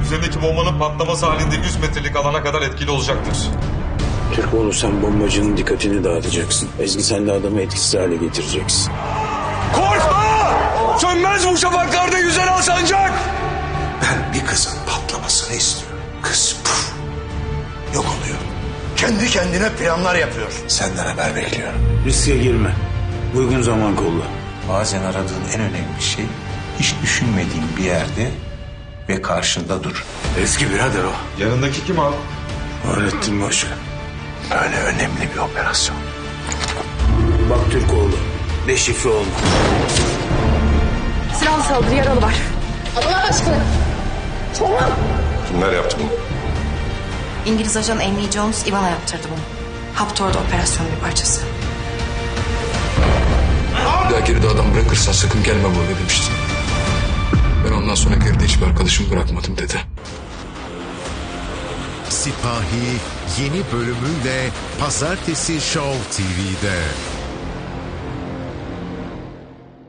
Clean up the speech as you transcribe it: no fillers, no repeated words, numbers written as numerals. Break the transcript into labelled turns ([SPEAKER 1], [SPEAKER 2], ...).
[SPEAKER 1] üzerindeki bombanın patlaması halinde 100 metrelik alana kadar etkili olacaktır.
[SPEAKER 2] Türkoğlu, sen bombacının dikkatini dağıtacaksın. Ezgi, sen de adamı etkisiz hale getireceksin.
[SPEAKER 3] Korkma! Sönmez bu şafaklarda yüzen al sancak!
[SPEAKER 4] Ben bir kızın patlamasını istiyorum. Kız puf, yok oluyor.
[SPEAKER 5] Kendi kendine planlar yapıyor.
[SPEAKER 4] Senden haber bekliyorum.
[SPEAKER 2] Riske girme. Uygun zaman kolla.
[SPEAKER 4] Bazen aradığın en önemli şey hiç düşünmediğin bir yerde ve karşında dur.
[SPEAKER 2] Eski birader o.
[SPEAKER 1] Yanındaki kim abi?
[SPEAKER 2] Fahrettin Başkan.
[SPEAKER 4] Böyle önemli bir operasyon.
[SPEAKER 2] Bak Türkoğlu, deşifre olma.
[SPEAKER 6] Silahlı saldırı, yaralı var. Allah aşkına. Tamam.
[SPEAKER 1] Kimler yaptı bunu?
[SPEAKER 6] İngiliz ajan Amy Jones, Ivana yaptırdı bunu. Haptor'da operasyonun bir parçası.
[SPEAKER 7] Bir daha geride adam bırakırsan sakın gelme buraya demiştin. Ben ondan sonra geride hiçbir arkadaşımı bırakmadım dedi.
[SPEAKER 8] Sipahi yeni bölümüyle Pazartesi Show TV'de.